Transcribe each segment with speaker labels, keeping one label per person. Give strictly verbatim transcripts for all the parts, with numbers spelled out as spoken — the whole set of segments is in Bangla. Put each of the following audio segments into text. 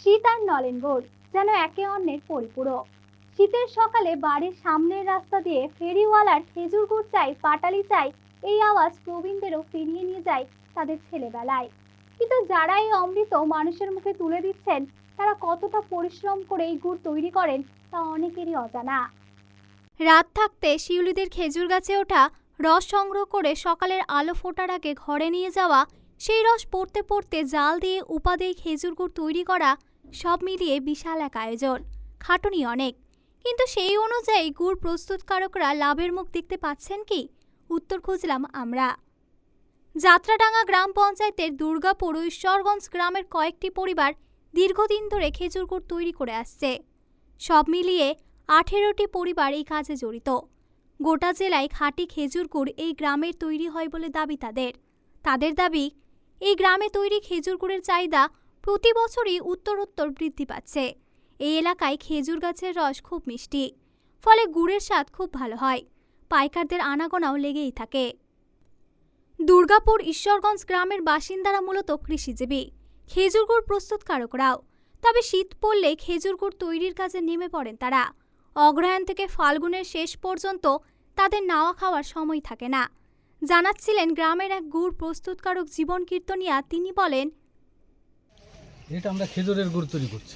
Speaker 1: শীত আর নলেন গুড় যেন একে অন্যের পরিপূরক। শীতের সকালে বাড়ির সামনের রাস্তা দিয়ে ফেরিওয়ালার খেজুর গুড় চাই, পাটালি চাই, এই আওয়াজ প্রবীণদেরও ফিরিয়ে নিয়ে যায় তাদের ছেলেবেলায়। কিন্তু যারা এই অমৃত মানুষের মুখে তুলে দিচ্ছেন, তারা কতটা পরিশ্রম করে এই গুড় তৈরি করেন তা অনেকেরই অজানা। রাত থাকতে শিউলিদের খেজুর গাছে ওঠা রস সংগ্রহ করে সকালের আলো ফোটার আগে ঘরে নিয়ে যাওয়া, সেই রস পড়তে পড়তে জাল দিয়ে উপাদেয় খেজুর গুড় তৈরি করা, সব মিলিয়ে বিশাল এক আয়োজন, খাটুনি অনেক। কিন্তু সেই অনুযায়ী গুড় প্রস্তুতকারকরা লাভের মুখ দেখতে পাচ্ছেন কি? উত্তর খুঁজলাম আমরা। যাত্রাডাঙ্গা গ্রাম পঞ্চায়েতের দুর্গাপুর ও ঈশ্বরগঞ্জ গ্রামের কয়েকটি পরিবার দীর্ঘদিন ধরে খেজুর গুড় তৈরি করে আসছে। সব মিলিয়ে আঠেরোটি পরিবার এই কাজে জড়িত। গোটা জেলায় খাঁটি খেজুর গুড় এই গ্রামের তৈরি হয় বলে দাবি তাদের। তাদের দাবি, এই গ্রামে তৈরি খেজুর গুড়ের চাহিদা প্রতি বছরই উত্তরোত্তর বৃদ্ধি পাচ্ছে। এই এলাকায় খেজুর গাছের রস খুব মিষ্টি, ফলে গুড়ের স্বাদ খুব ভালো হয়। পাইকারদের আনাগোনাও লেগেই থাকে। দুর্গাপুর ঈশ্বরগঞ্জ গ্রামের বাসিন্দারা মূলত কৃষিজীবী, খেজুর গুড় প্রস্তুতকারকরাও। তবে শীত পড়লে খেজুর গুড় তৈরির কাজে নেমে পড়েন তারা। অগ্রহায়ণ থেকে ফাল্গুনের শেষ পর্যন্ত তাদের নাওয়া খাওয়ার সময় থাকে না। জানাচ্ছিলেন গ্রামের এক গুড় প্রস্তুতকারক জীবন কীর্তনিয়া। তিনি বলেন,
Speaker 2: এটা আমরা খেজুরের গুড় তৈরি করছি।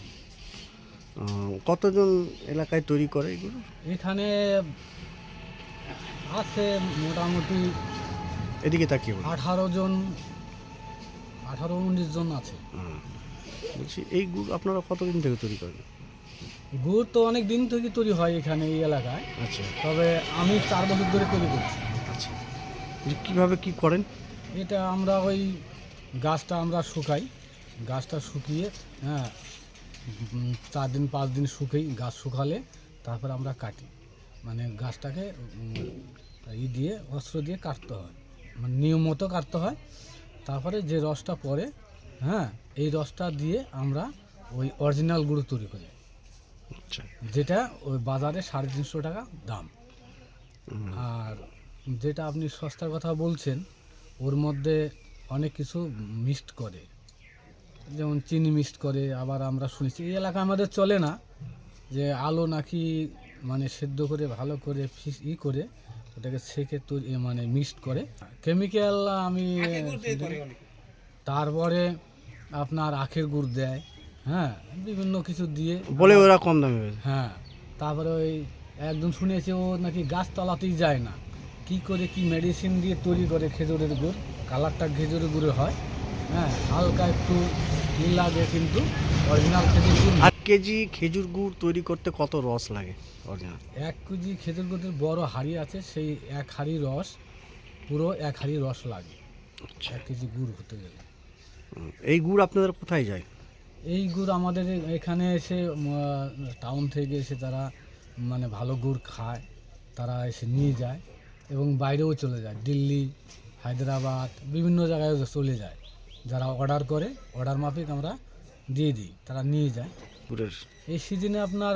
Speaker 3: কতজন এলাকায় তৈরি করে এগুলো?
Speaker 2: এখানে আছে মোটামুটি
Speaker 3: এদিকে তাকিয়ে বলুন।
Speaker 2: আঠারো জন আঠারো উনিশ জন আছে।
Speaker 3: বলছি, এই গুড় আপনারা কতদিন থেকে তৈরি করেন?
Speaker 2: গুড় তো অনেক দিন থেকে তৈরি হয় এখানে এই এলাকায়।
Speaker 3: আচ্ছা,
Speaker 2: তবে আমি চার বছর ধরে তৈরি করছি।
Speaker 3: আচ্ছা, কীভাবে কি করেন?
Speaker 2: এটা আমরা ওই গাছটা আমরা শুকাই, গাছটা শুকিয়ে হ্যাঁ উম, চার দিন পাঁচ দিন শুকাই। গাছ শুকালে তারপর আমরা কাটি, মানে গাছটাকে ই দিয়ে অস্ত্র দিয়ে কাটতে হয়, মানে নিয়ম মতো কাটতে হয়। তারপরে যে রসটা পড়ে, হ্যাঁ এই রসটা দিয়ে আমরা ওই অরিজিনাল গুঁড়ো তৈরি করি,
Speaker 3: আচ্ছা,
Speaker 2: যেটা ওই বাজারে সাড়ে তিনশো টাকা দাম। আর যেটা আপনি সস্তার কথা বলছেন, ওর মধ্যে অনেক কিছু মিক্সড করে, যেমন চিনি মিক্সড করে। আবার আমরা শুনেছি এই এলাকা আমাদের চলে না যে আলু নাকি মানে সেদ্ধ করে ভালো করে ফিস ই করে ওটাকে সেকে তৈরি মানে মিক্সড করে কেমিক্যাল। আমি তারপরে আপনার আখের গুড় দেয়, হ্যাঁ বিভিন্ন কিছু দিয়ে
Speaker 3: বলে ওরা কম দামে।
Speaker 2: হ্যাঁ, তারপরে ওই একদম শুনেছি ও নাকি গাছতলাতেই যায় না, কি করে কি মেডিসিন দিয়ে তৈরি করে খেজুরের গুড়। কালারটা খেজুরের গুড়ের হয়, হ্যাঁ হালকা একটু নীল লাগে, কিন্তু অরিজিনাল খেজুর গুড়।
Speaker 3: আট কেজি খেজুর গুড় তৈরি করতে কত রস লাগে অরিজিনাল?
Speaker 2: এক কেজি খেজুর গুড়ের বড় হাঁড়ি আছে, সেই এক হাঁড়ি রস, পুরো এক হাঁড়ি রস লাগে এক কেজি গুড় হতে গেলে।
Speaker 3: এই গুড় আপনাদের কোথায় যায়?
Speaker 2: এই গুড় আমাদের এখানে এসে টাউন থেকে এসে তারা মানে ভালো গুড় খায়, তারা এসে নিয়ে যায় এবং বাইরেও চলে যায়, দিল্লি, হায়দ্রাবাদ, বিভিন্ন জায়গায় চলে যায়। যারা অর্ডার করে, অর্ডার মাফিক আমরা দিয়ে দিই, তারা নিয়ে যায়।
Speaker 3: গুড়ের
Speaker 2: এই সিজনে আপনার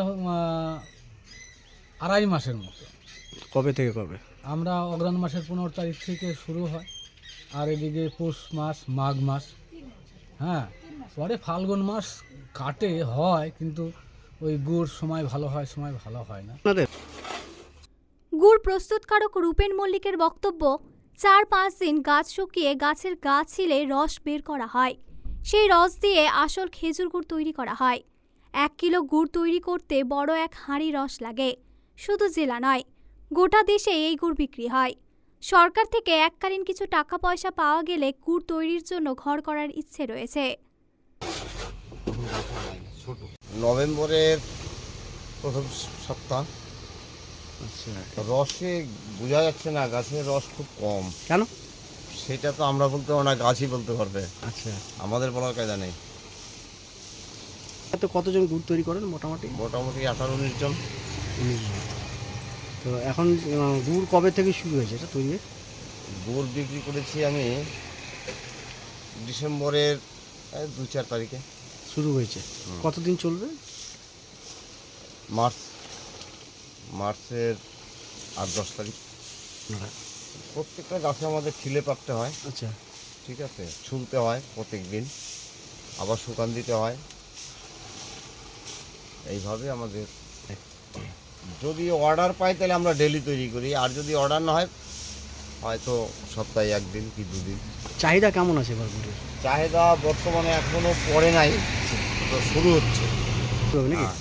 Speaker 2: আড়াই মাসের মতো।
Speaker 3: কবে থেকে কবে?
Speaker 2: আমরা অগ্রহায়ণ মাসের পনেরো তারিখ থেকে শুরু হয়, আর এদিকে পৌষ মাস, মাঘ মাস, হ্যাঁ পরে ফাল্গুন মাস কাটে হয়, কিন্তু ওই গুড় সময় ভালো হয়, সময় ভালো হয় না।
Speaker 1: গুড় প্রস্তুতকারক রূপেন মল্লিকের বক্তব্য, চার পাঁচ দিন গাছ শুকিয়ে গাছের গা ছিলে রস বের করা হয়। সেই রস দিয়ে আসল খেজুর গুড় তৈরি করা হয়। এক কিলো গুড় তৈরি করতে বড় এক হাঁড়ি রস লাগে। শুধু জেলা নয়, গোটা দেশে এই গুড় বিক্রি হয়। সরকার থেকে এককালীন কিছু টাকা পয়সা পাওয়া গেলে গুড় তৈরির জন্য ঘর করার ইচ্ছে রয়েছে।
Speaker 4: নভেম্বরের প্রথম সপ্তাহ।
Speaker 3: আচ্ছা,
Speaker 4: রসে বোঝা যাচ্ছে না, গাছের রস খুব কম।
Speaker 3: কেন?
Speaker 4: সেটা তো আমরা বলতে পারবো না, গাছই বলতে পারবে।
Speaker 3: আচ্ছা,
Speaker 4: আমাদের বলার কায়দা নেই।
Speaker 3: তো কতজন গুড় তৈরি করেন মোটামুটি?
Speaker 4: মোটামুটি আঠারো উনিশ জন।
Speaker 3: তো এখন আহ, গুড় কবে থেকে শুরু হয়েছে এটা তৈরি?
Speaker 4: গুড় বিক্রি করেছি আমি ডিসেম্বরের এই দু চার তারিখে
Speaker 3: শুরু হয়েছে। কতদিন চলবে?
Speaker 4: মার্চ মার্চের আট দশ তারিখ। প্রত্যেকটা গাছে আমাদের ছিলে পাকতে হয়,
Speaker 3: আচ্ছা,
Speaker 4: ঠিক আছে, ছুলতে হয় প্রত্যেক দিন, আবার শুকান দিতে হয়, এইভাবে আমাদের যদি অর্ডার পাই তাহলে আমরা ডেলি তৈরি করি, আর যদি অর্ডার না হয় হয়তো সপ্তাহে একদিন কি দুদিন।
Speaker 3: চাহিদা কেমন আছে এবার গুড়ের?
Speaker 4: চাহিদা বর্তমানে এখনো পড়ে নাই, তো শুরু হচ্ছে।
Speaker 3: নাকি
Speaker 4: হ্যাঁ।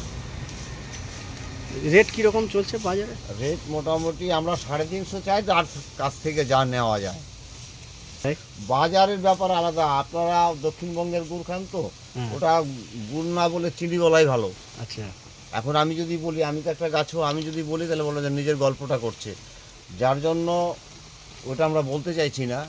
Speaker 3: রেট কীরকম চলছে বাজারে?
Speaker 4: রেট মোটামুটি আমরা সাড়ে তিনশো চাই, তার কাছ থেকে যা নেওয়া যায়।
Speaker 3: তাই?
Speaker 4: বাজারের ব্যাপার আলাদা, আপনারা দক্ষিণবঙ্গের গুড় খান তো,
Speaker 3: হ্যাঁ।
Speaker 4: ওটা গুড় না বলে চিনি বলাই ভালো।
Speaker 3: আচ্ছা,
Speaker 4: এখন আমি যদি বলি, আমি তো একটা গাছও আমি যদি বলি তাহলে বলো যে নিজের গল্পটা করছে, যার জন্য ওটা আমরা বলতে চাইছি না।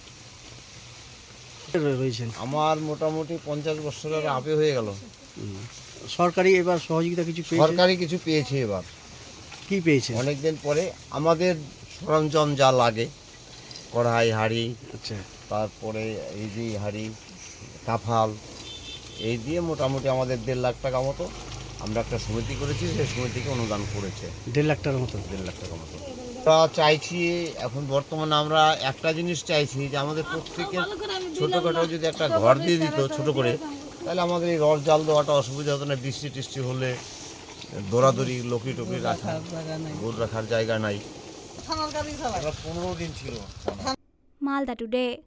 Speaker 3: রয়ে- রয়েছেন
Speaker 4: আমার মোটামুটি পঞ্চাশ বছরের আপে হয়ে গেল।
Speaker 3: হুম। সরকারি এবার সহযোগিতা কিছু পেয়েছে?
Speaker 4: সরকারি কিছু পেয়েছি এবার
Speaker 3: কি পেয়েছে?
Speaker 4: অনেকদিন পরে। আমাদের সরঞ্জাম যা লাগে, কড়াই, হাঁড়ি,
Speaker 3: আচ্ছা,
Speaker 4: তারপরে এই যে হাঁড়ি, কাফাল, এই দিয়ে মোটামুটি আমাদের দেড় লাখ টাকা মতো আমরা একটা সমিতি করেছি, সেই সমিতিকে অনুদান করেছে
Speaker 3: দেড় লাখ টাকার মতো।
Speaker 4: দেড় লাখ টাকা মতো। আমরা চাইছি এখন বর্তমানে আমরা একটা জিনিস চাইছি যে আমাদের প্রত্যেকের ছোটোখাটো যদি একটা ঘর দিয়ে দিত ছোট করে, তাহলে আমাদের এই রস জাল দেওয়াটা অসুবিধা হতো না। বৃষ্টি টিষ্টি হলে দৌড়াদৌড়ি লোকি টুকি রাখা, গরু রাখার জায়গা নাই। এবার পনেরো দিন ছিল।
Speaker 1: মালদা টুডে।